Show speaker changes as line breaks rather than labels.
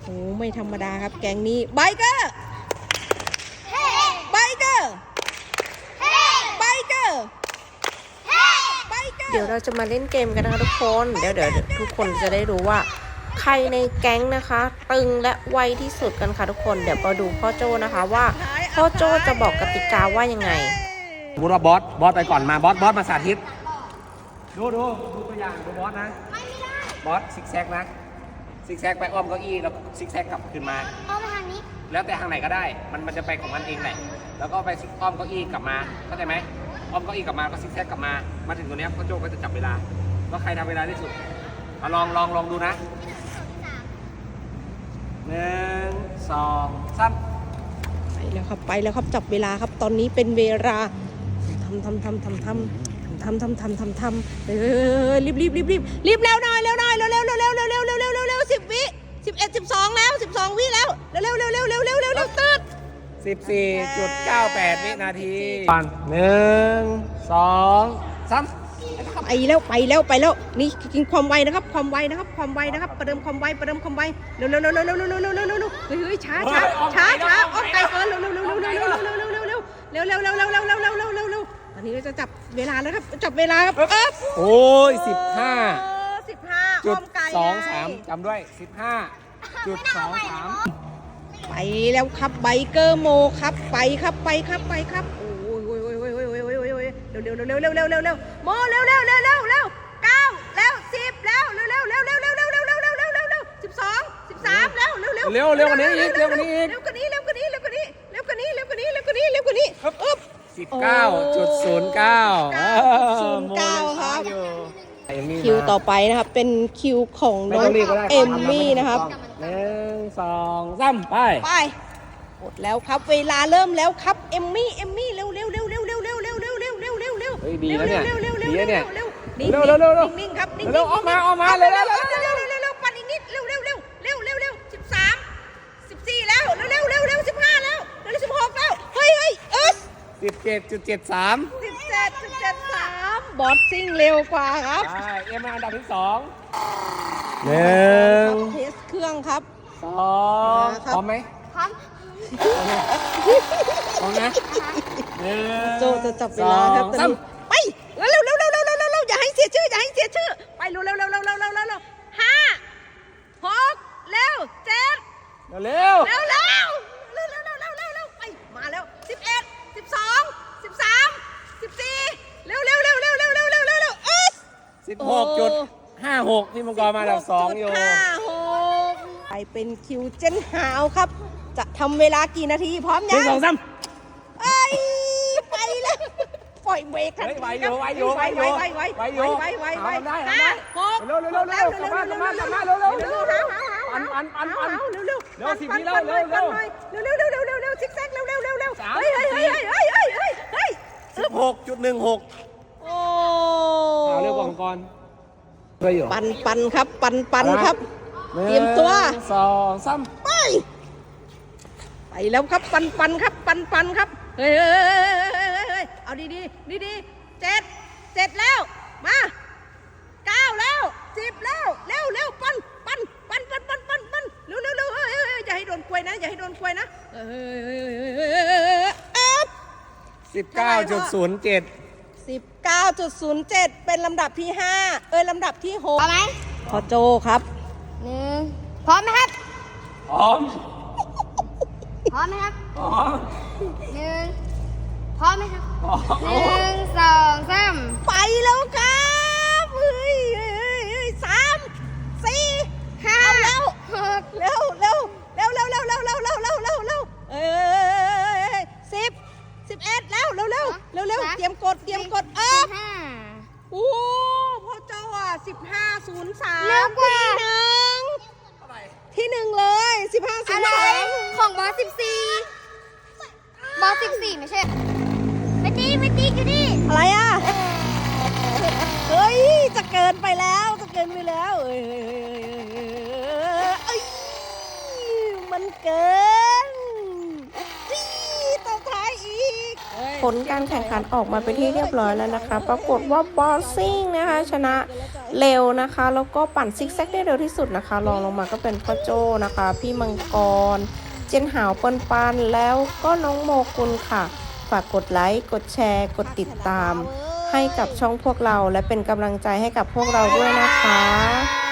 อ้ไม่ธรรมดาครับแก๊งนี้ไบเกอร์ไบเกอร์ไบเกอร์เดี๋ยวเราจะมาเล่นเกมกันนะคะทุกคนเดี๋ยวทุกคนจะได้รู้ว่าใครในแก๊งนะคะตึงและไวที่สุดกันค่ะทุกคนเดี๋ยวมาดูพ่อโจ้นะคะว่าพ่อโจ้จะบอกกติกาว่ายังไง
สมมติว่าบอสไปก่อนมาบอสมาสาธิตดูตัวอย่างดูบอสนะบอสซิกแซกนะซิกแซกไปอ้อมเก้าอี้แล้วซิกแซกกลับขึ้นมา
อ้อมไปทางนี้
แล้วแต่ทางไหนก็ได้มันจะไปของมันเองแหละแล้วก็ไปอ้อมเก้าอี้กลับมาเข้าใจไหมอ้อมเก้าอี้กลับมาก็ซิกแซกกลับมาถึงตัวนี้พ่อโจ้ก็จะจับเวลาว่าใครทำเวลาที่สุดลองดูนะ1 2 3
ไปแล้วครับจับเวลาครับตอนนี้เป็นเวลาทำรีบแล้วหน่อยเร็ว10 วิ11 12แล้ว12 วิแล้วเร็วตืด
14.98 วินาที1 2 3
ไปแล้วนี่กินความไวนะครับความไวประเดิมความไวเร็วเฮ้ยช้าออกไกลเกินเร็วตอนนี้เราจะจับเวลาแล้วครับจับเวลาครับ
โอ้ย15.23จำด้วย15.23
ไปแล้วครับไบเกอร์โมครับไปครับโอ้ยเร็วโมเร็ว9แล้ว10แล้ว12 13แล้วเร็ว
กว่านี้อีก
เร็วกว่านี้
19.09
ครับคิวต่อไปนะครับเป็นคิวของน้องเอมมี่นะครับ
1 2 3ไป
หมดแล้วครับเวลาเริ่มแล้วครับเอมมี่เร็ว
ดีนะเนี่ย
นิ่งครับนิ่ง
ออกมาเลย
ปั่นอีกนิดเร็ว13 14แล้วเร็ว15แล้ว16แล้วเฮ้ย
17.73
บอสซิ่งเร็วกว่าครับ
ใช่เอ็มอันดับที่2 1
เทสเครื่องครับ
2พร้อมไหม
พร้อม
นะ
โจจะจับเวลาครับไปเร็วอย่าให้เสียชื่อไปเร็ว5 6เร็ว7
เร็ว
ไปมาแล้ว11 12 13 14เร็ว
16.56พี่มังกรมาอันดับ2อยู่
ไปเป็นคิวเจนหาวครับจะทำเวลากี่นาทีพร้อมยัง
1 2 3
ไปแล้วปล่อยเบรกทันที
ไวอยู่
ได้
เร็วกลับมา10 วิแล้วเ
ร็วซิกแซกเร็ว
16.16
โอ้
เร็วกว่ามังกร
ปันครับครับเตรียมตัว
2 3
ไปแล้วครับปันครับเฮ้ยเอาดี7แล้วมา9แล้ว10แล้วเร็วปันเร็วอย่าให้โดนกล้วยนะ
19.07
เป็นลำดับที่5ลำดับที่6
พร้อมไหม
พอโจครับ
พร้อมไหมครับ
พร้อม
ไหมครับ
พร้อม
พร้อมไหมครับ1 2 3
ไปแล้วครับเฮ้ย3 4 5แล้วเร็ว10 11แล้วเร็วเตรียมกดโอ้พ่อเจ้า15.03
เร็วกว่า
ที่1เลย
อะไรของบอส14ไม่ใช่ไม่ตีอยู่นี่
อะไรอ่ะเฮ้ยจะเกินไปแล้วมันเกินต่อท้ายอีกผลการแข่งขันออกมาเป็นที่เรียบร้อยแล้วนะคะปรากฏว่าบอสซิ่งนะคะชนะเร็วนะคะแล้วก็ปั่นซิกแซกได้เร็วที่สุดนะคะรองลงมาก็เป็นพ่อโจ้นะคะพี่มังกรเจนหาวปันแล้วก็น้องโมกุลค่ะฝากกดไลค์กดแชร์กดติดตามให้กับช่องพวกเราและเป็นกำลังใจให้กับพวกเราด้วยนะคะ